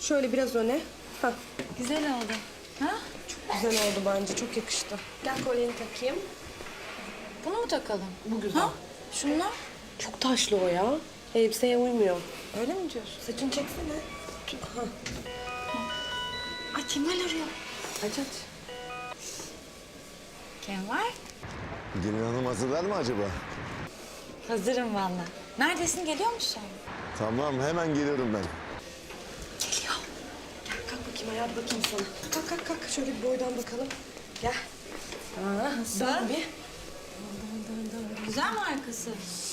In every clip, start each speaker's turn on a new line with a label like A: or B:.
A: Şöyle biraz öne. Hah,
B: Güzel oldu. Ha?
A: çok güzel oldu bence. Çok yakıştı. Gel kolyeni takayım.
B: Bunu mu takalım?
A: Bu güzel.
B: Ha? Şunlar?
A: Çok taşlı o ya. Elbiseye uymuyor. Öyle mi diyorsun? Saçını çeksene. Ha.
B: Ay Kemal arıyor.
A: Aç aç.
B: Kemal?
C: Gelin hanım hazırlar mı acaba?
B: Hazırım valla. Neredesin, geliyor musun?
C: Tamam, hemen geliyorum ben.
B: Geliyor.
A: Gel kalk bakayım ayağa bakayım sana. Kalk kalk kalk. Şöyle bir boydan bakalım. Gel.
B: Nasıl?
A: Dön bir.
B: Güzel mi arkası?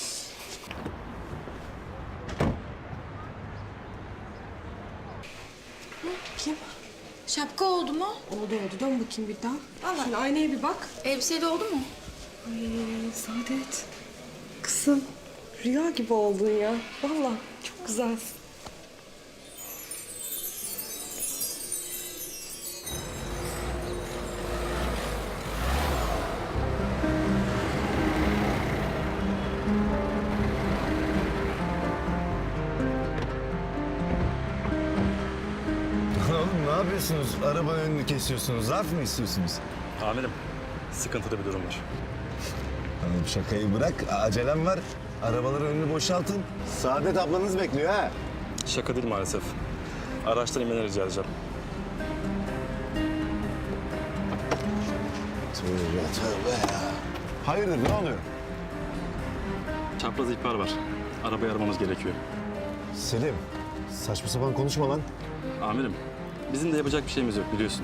A: Kim?
B: Şapka oldu mu?
A: Oldu oldu. Dön bakayım bir daha.
B: Vallahi.
A: Şimdi aynaya bir bak.
B: Elbiseyle oldu mu?
A: Ay Saadet. Kızım. Rüya gibi oldun ya. Vallahi çok güzelsin.
C: Oğlum ne yapıyorsunuz? Arabanın önünü kesiyorsunuz. Zarf mı istiyorsunuz?
D: Amirim, sıkıntılı bir durum var.
C: Oğlum şakayı bırak. Acelem var. Arabaların önünü boşaltın. Saadet ablanız bekliyor ha.
D: Şaka değil maalesef. Araçtan inmeni rica edeceğim.
C: Tövbe tövbe ya. Hayırdır ne oluyor?
D: Çapraz ihbar var. Arabayı aramamız gerekiyor.
C: Selim, saçma sapan konuşma lan.
D: Amirim, bizim de yapacak bir şeyimiz yok biliyorsun.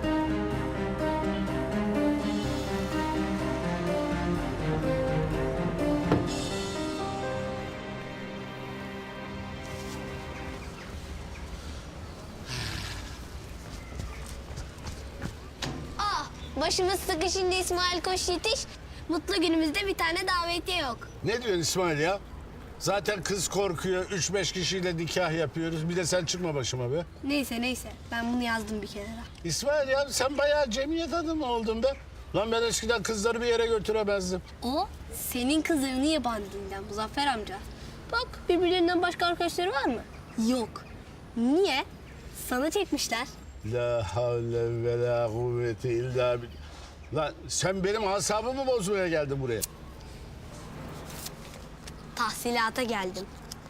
E: Başımız sıkışınca İsmail koş yetiş. Mutlu günümüzde bir tane davetiye yok.
F: Ne diyorsun İsmail ya? Zaten kız korkuyor. 3-5 kişiyle nikah yapıyoruz. Bir de sen çıkma başıma be.
E: Neyse ben bunu yazdım bir kenara.
F: İsmail ya sen bayağı cemiyet adamı oldun be. Lan ben eskiden kızları bir yere götüremezdim.
E: O senin kızların yabancı dilden Muzaffer amca. Bak birbirlerinden başka arkadaşları var mı? Yok. Niye? Sana çekmişler.
F: La havle ve la kuvvete illa billah. Lan sen benim asabımı bozmaya geldin buraya.
E: Tahsilata geldim.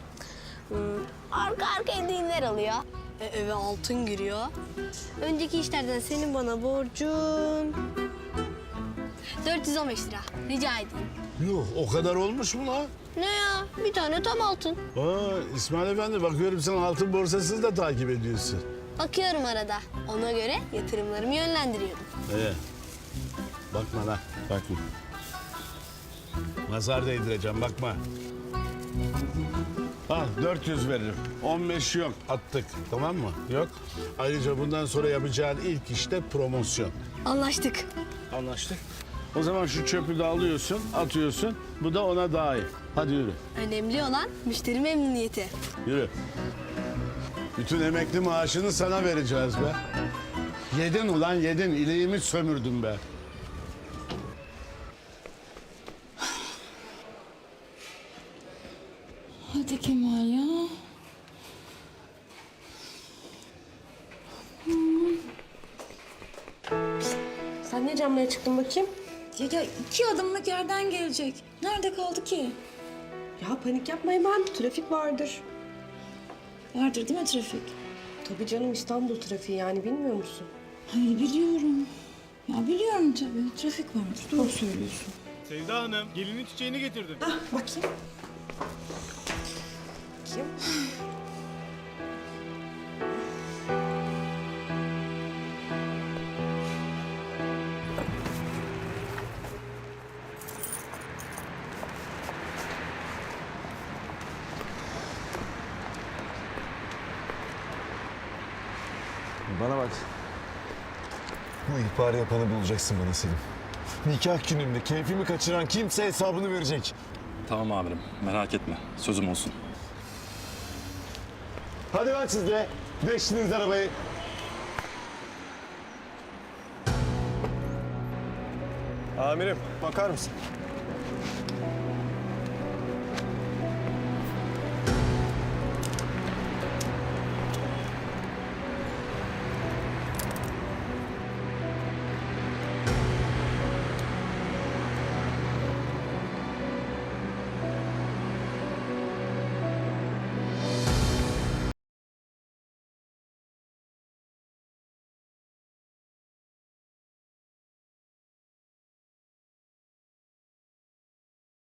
E: Arka arkaya düğünler alıyor. Eve altın giriyor. Önceki işlerden senin bana borcun 415 lira. Rica edeyim.
F: Yuh o kadar olmuş mu lan?
E: Ne ya? Bir tane tam altın.
F: İsmail Efendi bakıyorum sen altın borsasını da takip ediyorsun.
E: Bakıyorum arada. Ona göre yatırımlarımı yönlendiriyorum.
F: Bakma lan bakma. Nazar değdireceğim bakma. Al 400 veririm. 15 yok attık tamam mı? Yok. Ayrıca bundan sonra yapacağın ilk işte promosyon.
E: Anlaştık.
F: Anlaştık. O zaman şu çöpü de alıyorsun, atıyorsun. Bu da ona dahil. Hadi yürü,
E: Önemli olan müşteri memnuniyeti.
F: yürü. Bütün emekli maaşını sana vereceğiz be. Yedin ulan yedin, iliğimi sömürdün be.
B: Hadi Kemal ya.
A: Sen ne camlara çıktın bakayım?
B: Ya 2 adımlık yerden gelecek. Nerede kaldı ki?
A: Ya panik yapma hemen. Trafik vardır.
B: Vardır değil mi trafik?
A: Tabii canım İstanbul trafiği yani bilmiyor musun?
B: Hayır biliyorum. Ya biliyorum tabii. Trafik vardır. Doğru söylüyorsun.
G: Sevda Hanım, gelinin çiçeğini getirdim.
A: Bakayım. Bakayım.
C: Bana bak. Bu ihbarı yapanı bulacaksın bana Selim. Nikah gününde keyfimi kaçıran kimse hesabını verecek.
D: Tamam amirim, merak etme. Sözüm olsun.
C: Hadi lan siz de. Değiştiniz arabayı. Amirim bakar mısın?